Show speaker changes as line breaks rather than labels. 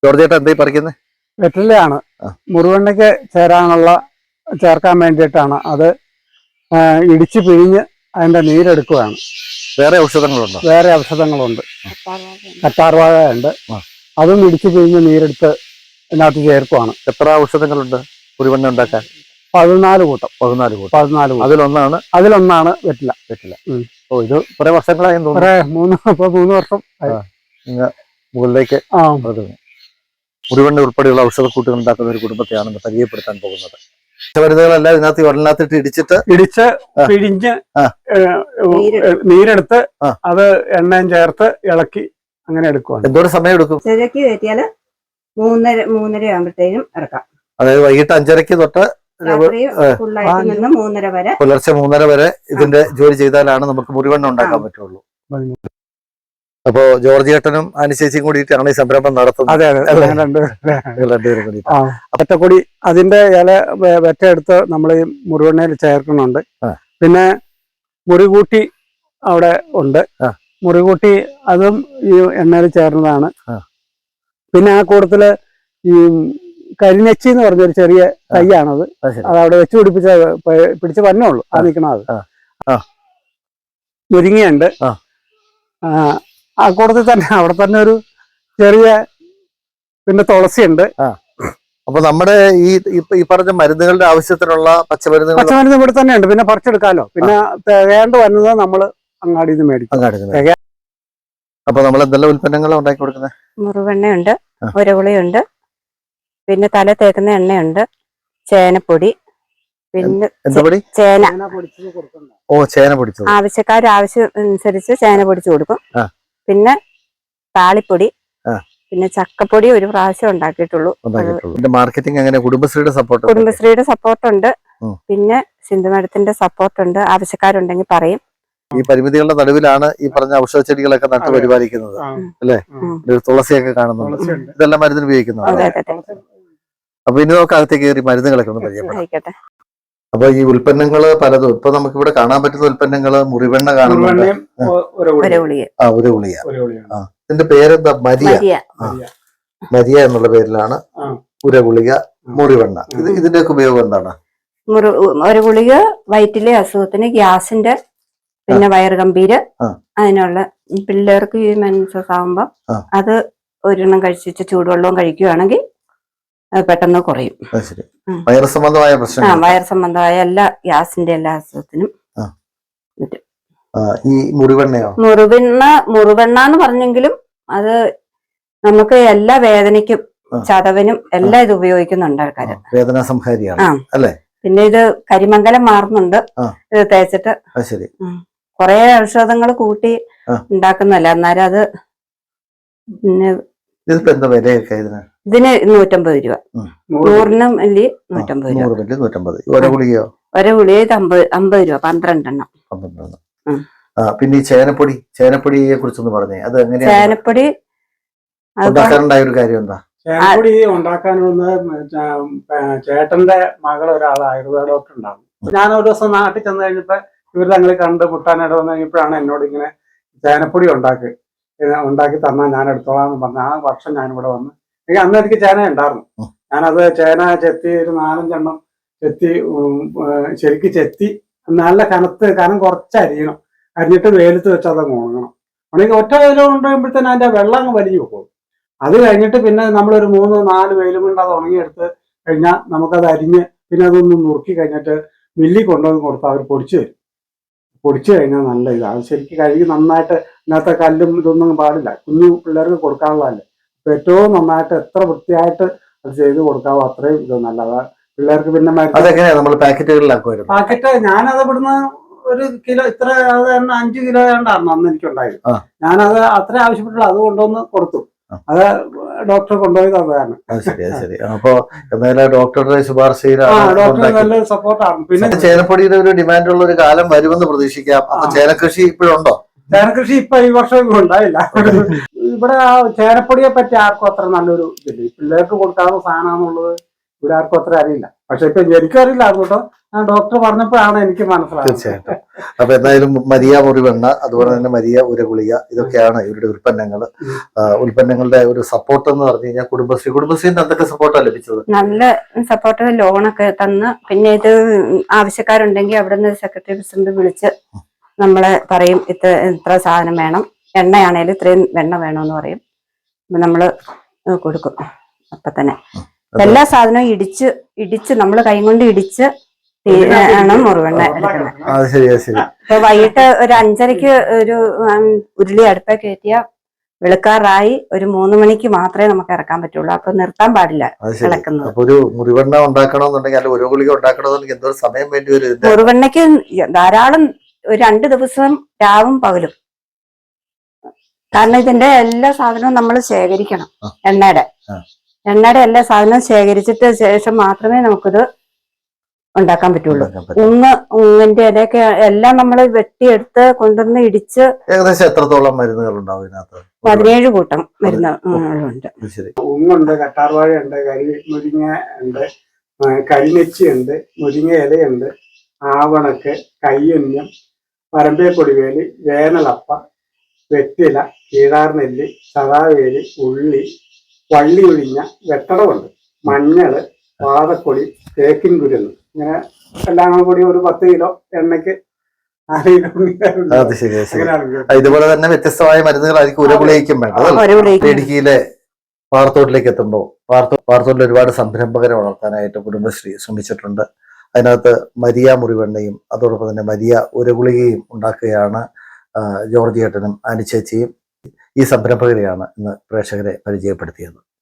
George ചേട്ടാ എന്തായി പറിക്കുന്നത്?
വെറ്റിലയാണ്. മുറിവെണ്ണയ്ക്ക് ചേർക്കാൻ വേണ്ടിയിട്ടാണ്. അത് ഇടിച്ച് പിഴിഞ്ഞ് അതിന്റെ നീരെടുക്കുകയാണ്.
വേറെ ഔഷധങ്ങളുണ്ടോ?
വേറെ ഔഷധങ്ങളുണ്ട്. കറ്റാർവാഴ ഉണ്ട്. അതും ഇടിച്ച് പിഴിഞ്ഞ് നീരെടുത്ത് ഇതിനകത്ത് ചേർക്കുവാണ്.
എത്ര ഔഷധങ്ങളുണ്ട് മുറിവെണ്ണ ഉണ്ടാക്കാൻ?
14 കൂട്ടം.
14 കൂട്ടം.
14 കൂട്ടം.
അതിലൊന്നാണ്
വെറ്റില.
ഓ, ഇത് കുറെ വർഷങ്ങളായി തോന്നുന്നു.
3 വർഷം
മുകളിലേക്ക് മുറിവെണ്ണ ഉൾപ്പെടെയുള്ള ഔഷധക്കൂട്ടുകൾ ഉണ്ടാക്കുന്ന ഒരു കുടുംബത്തെയാണ് പരിചയപ്പെടുത്താൻ പോകുന്നത്. മരുന്നുകളെല്ലാം ഇതിനകത്ത് വെള്ളത്തിട്ട് ഇടിച്ച്
പിഴിഞ്ഞ് നീരെടുത്ത് അത് എണ്ണയും ചേർത്ത് ഇളക്കി അങ്ങനെ എടുക്കുവാണ്.
എന്തോരം സമയം എടുക്കും?
ശരിക്ക് കയറ്റിയാല് 3:30 ആകുമ്പോഴത്തേനും ഇറക്കാം.
അതായത് വൈകിട്ട് 5:30 തൊട്ട് പുലർച്ചെ 3:30 വരെ ഇതിന്റെ ജോലി ചെയ്താലാണ് നമുക്ക് മുറിവെണ്ണ ഉണ്ടാക്കാൻ പറ്റുള്ളൂ. അപ്പോ ജോർജ് ചേട്ടനും അനുശേഷിയും കൂടിയിട്ടാണ് ഈ സംരംഭം നടത്തുന്നത്.
ഒറ്റക്കൊടി അതിന്റെ ഇല വെറ്റെടുത്ത് നമ്മൾ ഈ മുറിവെണ്ണയിൽ ചേർക്കുന്നുണ്ട്. പിന്നെ മുറികൂട്ടി അവിടെ ഉണ്ട്. മുറികൂട്ടി അതും ഈ എണ്ണയിൽ ചേർന്നതാണ്. പിന്നെ ആ കൂട്ടത്തില് ഈ കരിനെച്ചി എന്ന് പറഞ്ഞൊരു ചെറിയ തൈയാണത്. അത് അവിടെ വെച്ച് പിടിച്ച് വന്നോളൂ. ആ നിൽക്കണത് മുരിങ്ങയുണ്ട്. ആ കൂട്ടത്തിൽ തന്നെ അവിടെ തന്നെ ഒരു ചെറിയ പിന്നെ തുളസിയുണ്ട്.
അപ്പൊ നമ്മുടെ ഈ പറഞ്ഞ മരുന്നുകളുടെ ആവശ്യത്തിനുള്ള
പച്ചമരുന്ന് ഇവിടെ തന്നെ ഉണ്ട്. പിന്നെ പറിച്ചെടുക്കാലോ. പിന്നെ തികയാണ്ട് വരുന്നത് നമ്മള് അങ്ങാടിയിൽ നിന്ന് മേടിക്കും.
അപ്പൊ നമ്മൾ എന്തെല്ലാം ഉൽപ്പന്നങ്ങളാണ് ഉണ്ടാക്കി കൊടുക്കുന്നത്?
മുറിവെണ്ണയുണ്ട്, ഉരകുളിയുണ്ട്, പിന്നെ തല തേക്കുന്ന എണ്ണയുണ്ട്, ചേനപ്പൊടി, പിന്നെ
ചേന പൊടിച്ചത്
ആവശ്യക്കാർ ആവശ്യം അനുസരിച്ച് ചേന പൊടിച്ചു കൊടുക്കും. പിന്നെ താളിപ്പൊടി, പിന്നെ ചക്കപ്പൊടി ഒരു പ്രാവശ്യം ഉണ്ടാക്കിയിട്ടുള്ളൂ.
മാർക്കറ്റിംഗ് എങ്ങനെ?
കുടുംബശ്രീയുടെ സപ്പോർട്ട് ഉണ്ട്. പിന്നെ സിന്ധു മാഡത്തിന്റെ സപ്പോർട്ട് ഉണ്ട്. ആവശ്യക്കാരുണ്ടെങ്കിൽ പറയും.
ഈ പരിമിതികളുടെ നടുവിലാണ് ഈ പറഞ്ഞ ഔഷധ ചെടികളൊക്കെ നട്ടു പരിപാലിക്കുന്നത് അല്ലേ? തുളസിയൊക്കെ കാണുന്നുണ്ട്. ഇതെല്ലാം മരുന്നിന് ഉപയോഗിക്കുന്നത്. അപ്പൊ ഇനി നമുക്ക് അകത്തേക്ക് കയറി മരുന്നുകളൊക്കെ ഒന്ന് പരിചയപ്പെടാം. അപ്പൊ ഈ ഉൽപ്പന്നങ്ങള് പലതും ഇപ്പൊ നമുക്ക് ഇവിടെ കാണാൻ പറ്റുന്ന ഉൽപ്പന്നങ്ങള് മുറിവെണ്ണ കാണുന്നുണ്ട്. ഉരഗുളിക. ഇതിന്റെ പേരെന്താ? മരിയ എന്നുള്ള പേരിലാണ് ഉരഗുളിക, മുറിവെണ്ണ. ഇതിന്റെയൊക്കെ ഉപയോഗം എന്താണ്?
ഉരഗുളിക വയറ്റിലെ അസുഖത്തിന്, ഗ്യാസിന്റെ, പിന്നെ വയറുകമ്പീര്, അതിനുള്ള പിള്ളേർക്ക് ഈ മെൻസസ് ആകുമ്പോ അത് ഒരെണ്ണം കഴിച്ചിട്ട് ചൂടുവെള്ളവും കഴിക്കുകയാണെങ്കിൽ പെട്ടെന്ന് കുറയും.
വയർ സംബന്ധമായ പ്രശ്നം,
വയർ സംബന്ധമായ എല്ലാ ഗ്യാസിന്റെ എല്ലാ അസുഖത്തിനും.
ഈ മുറിവെണ്ണയോ?
മുറിവെണ്ണ എന്ന് പറഞ്ഞെങ്കിലും അത് നമുക്ക് എല്ലാ വേദനയ്ക്കും ചതവിനും എല്ലാം ഇത് ഉപയോഗിക്കുന്നുണ്ട് ആൾക്കാര്.
വേദന സംഹാരിയാണ് അല്ലേ?
പിന്നെ ഇത് കരിമംഗലം മാറുന്നുണ്ട് ഇത് തേച്ചിട്ട്. കൊറേ ഔഷധങ്ങൾ കൂട്ടി ഉണ്ടാക്കുന്നല്ല. അന്നേരം അത് പിന്നെ ഇതിന് 150 രൂപ. 100 മില്ലി 150 രൂപ.
ഒരു ഗുളിക
50 രൂപ. 12 എണ്ണം.
പിന്നെ ഈ ചേനപ്പൊടിയെ കുറിച്ചൊന്ന് പറഞ്ഞേ. അത് എങ്ങനെയാ?
ചേനപ്പൊടി
ഉണ്ടാക്കാനുണ്ടായ ഒരു കാര്യം എന്താ?
ചേനപ്പൊടി ഉണ്ടാക്കാനുള്ള ചേട്ടന്റെ മകൾ ഒരാൾ ആയുർവേദ ഡോക്ടർ ഉണ്ടാകും. ഞാൻ ഒരു ദിവസം നാട്ടിൽ ചെന്ന് കഴിഞ്ഞപ്പോ ഇവർ തങ്ങൾ കണ്ട് മുട്ടാനിട വന്നു കഴിഞ്ഞപ്പോഴാണ് എന്നോട് ഇങ്ങനെ ചേനപ്പൊടി ഉണ്ടാക്കി തന്നാൽ ഞാൻ എടുത്തോളാന്ന് പറഞ്ഞ. ആ വർഷം ഞാനിവിടെ വന്ന് അന്ന് എനിക്ക് ചേന ഉണ്ടായിരുന്നു. ഞാനത് ചേന ചെത്തി ഒരു 4-5 എണ്ണം ചെത്തി ശരിക്ക് ചെത്തി നല്ല കനം കുറച്ച് അരിയണം. അരിഞ്ഞിട്ട് വെയിലത്ത് വെച്ച് അത് ഉണങ്ങണം. ഉണങ്ങി ഒറ്റ വെയിൽ കൊണ്ടുവരുമ്പോഴത്തേന് അതിന്റെ വെള്ളം അങ്ങ് വലിഞ്ഞു പോകും. അത് കഴിഞ്ഞിട്ട് പിന്നെ നമ്മളൊരു 3-4 വെയിലും കൊണ്ട് അത് ഉണങ്ങിയെടുത്ത് കഴിഞ്ഞാൽ നമുക്കത് അരിഞ്ഞ് പിന്നെ അതൊന്ന് നുറുക്കി കഴിഞ്ഞിട്ട് മില്ലിൽ കൊണ്ടുവന്ന് കൊടുത്താൽ അവർ പൊടിച്ചു തരും. പൊടിച്ചു കഴിഞ്ഞാൽ നല്ല ഇതാണ്. അത് ശരിക്കും കഴുകി നന്നായിട്ട് ഇന്നത്തെ കല്ലും ഇതൊന്നും പാടില്ല. കുഞ്ഞു പിള്ളേർക്ക് കൊടുക്കാനുള്ളതല്ലേ. അപ്പൊ ഏറ്റവും നന്നായിട്ട് എത്ര വൃത്തിയായിട്ട് അത് ചെയ്ത് കൊടുക്കാവോ അത്രയും ഇത് നല്ലതാ പിള്ളേർക്ക്. പിന്നെ പാക്കറ്റ് ഞാനത് ഇവിടുന്ന് 1 കിലോ ഇത്ര 5 കിലോ ഉണ്ടായിരുന്നു അന്ന് എനിക്കുണ്ടായത്. ഞാനത് അത്ര ആവശ്യപ്പെട്ടുള്ളൂ. അത് കൊണ്ടുവന്ന് കൊടുത്തു. അത് ഡോക്ടർ കൊണ്ടുപോയി തന്നതാണ്.
അപ്പൊ ഡോക്ടറുടെ ശുപാർശയിലാണ്.
ഡോക്ടർ നല്ല സപ്പോർട്ടാണ്. പിന്നെ
ചേനപ്പൊടിയുടെ ഒരു ഡിമാൻഡുള്ള ഒരു കാലം വരുമെന്ന് പ്രതീക്ഷിക്കാം. അപ്പൊ ചേനക്കൃഷി ഇപ്പോഴുണ്ടോ?
ചേനക്കൃഷി ഇപ്പൊ ഈ വർഷം ഉണ്ടായില്ല. ഇവിടെ ആ ചേനപ്പൊടിയെ പറ്റി ആർക്കും അത്ര നല്ലൊരു ഇതില്ല. പിള്ളേർക്ക് കൊടുക്കാവുന്ന സാധനമാണെന്നുള്ളത് ഇവിടെ ആർക്കും അത്ര അറിയില്ല. പക്ഷെ ഇപ്പൊ എനിക്കറിയില്ല അതുകൊണ്ടോ ഞാൻ ഡോക്ടർ പറഞ്ഞപ്പോഴാണ് എനിക്ക് മനസ്സിലായത്.
തീർച്ചയായിട്ടും. അപ്പൊ എന്തായാലും മരിയ മുറിവെണ്ണ, അതുപോലെ തന്നെ മരിയ ഉരഗുളിക, ഇതൊക്കെയാണ് ഇവരുടെ ഉൽപ്പന്നങ്ങൾ. ഉൽപ്പന്നങ്ങളുടെ ഒരു സപ്പോർട്ട് എന്ന് പറഞ്ഞു കഴിഞ്ഞാൽ കുടുംബശ്രീന്ന് എന്തൊക്കെ സപ്പോർട്ടാണ് ലഭിച്ചത്?
നല്ല സപ്പോർട്ട്, ലോണൊക്കെ തന്ന്, പിന്നെ ഇത് ആവശ്യക്കാരുണ്ടെങ്കിൽ അവിടെ നിന്ന് സെക്രട്ടറി പ്രസിഡന്റ് വിളിച്ച് നമ്മളെ പറയും ഇത്ര സാധനം വേണം, എണ്ണയാണേലും ഇത്രയും വെണ്ണ വേണമെന്ന് പറയും. നമ്മള് കൊടുക്കും. അപ്പൊ തന്നെ എല്ലാ സാധനവും ഇടിച്ച് നമ്മൾ കൈ കൊണ്ട് ഇടിച്ച് ആണ് മുറിവെണ്ണ എടുക്കുന്നത്. ഇപ്പൊ വൈകിട്ട് ഒരു 5:30 ഒരു ഉരുളി അടുപ്പ കയറ്റിയ വെളുക്കാറായി ഒരു 3 മണിക്ക് മാത്രമേ നമുക്ക് ഇറക്കാൻ പറ്റുള്ളൂ. അപ്പൊ നിർത്താൻ പാടില്ല ഇളക്കുന്നത്.
ഒരു മുറിവെണ്ണ ഉണ്ടാക്കണമെന്നുണ്ടെങ്കിൽ അല്ല ഒരു ഗുളിക ഉണ്ടാക്കണമെന്നുണ്ടെങ്കിൽ എന്തോ സമയം വേണ്ടി വരും.
മുറിവെണ്ണയ്ക്ക് ധാരാളം ഒരു 2 ദിവസം രാവും പകലും. കാരണം ഇതിന്റെ എല്ലാ സാധനവും നമ്മൾ ശേഖരിക്കണം. എണ്ണയുടെ എല്ലാ സാധനവും ശേഖരിച്ചിട്ട് ശേഷം മാത്രമേ നമുക്കിത് ഉണ്ടാക്കാൻ പറ്റുള്ളൂ. ഉങ്ങിന്റെ ഇലയൊക്കെ എല്ലാം നമ്മൾ വെട്ടിയെടുത്ത് കൊണ്ടുവന്ന് ഇടിച്ച്.
ഏകദേശം എത്രത്തോളം മരുന്നുകൾ ഉണ്ടാവും ഇതിനകത്ത്?
17 കൂട്ടം മരുന്നുകളുണ്ട്.
ഉങ്ങുണ്ട്, കട്ടാർവാഴയുണ്ട്, മുരിങ്ങ ഉണ്ട്, കരിനെച്ചി ഉണ്ട്, മുരിങ്ങ ഇലയുണ്ട്, ആവണക്ക്, കയ്യുന്നം, പരമ്പേപ്പൊടിവേലി, വേനലപ്പ, വെറ്റില, കീഴാർനെല്ലി, സദാവേലി, ഉള്ളി, വള്ളി ഒഴിഞ്ഞ, വെട്ടടമുണ്ട്, മഞ്ഞള്, വാതക്കൊടി, തേക്കിൻ കുരുന്ന്, ഇങ്ങനെ എല്ലാം കൂടി ഒരു 10 കിലോ എണ്ണയ്ക്ക് 4 കിലോ.
ഇതുപോലെ തന്നെ വ്യത്യസ്തമായ മരുന്നുകളായിരിക്കും ഉരഗുളികയ്ക്കും വേണ്ടത്. ഇടുക്കിയിലെ പാറത്തോട്ടിലേക്ക് എത്തുമ്പോൾ പാറത്തോട്ടിൽ ഒരുപാട് സംരംഭകരെ വളർത്താനായിട്ട് കുടുംബശ്രീ ശ്രമിച്ചിട്ടുണ്ട്. അതിനകത്ത് മരിയ മുറിവെണ്ണയും അതോടൊപ്പം തന്നെ മരിയ ഉരഗുളികയും ഉണ്ടാക്കുകയാണ് ജോർജ് ഏട്ടനും ആനി ചേച്ചിയും. ഈ സംരംഭകരെയാണ് ഇന്ന് പ്രേക്ഷകരെ പരിചയപ്പെടുത്തിയത്.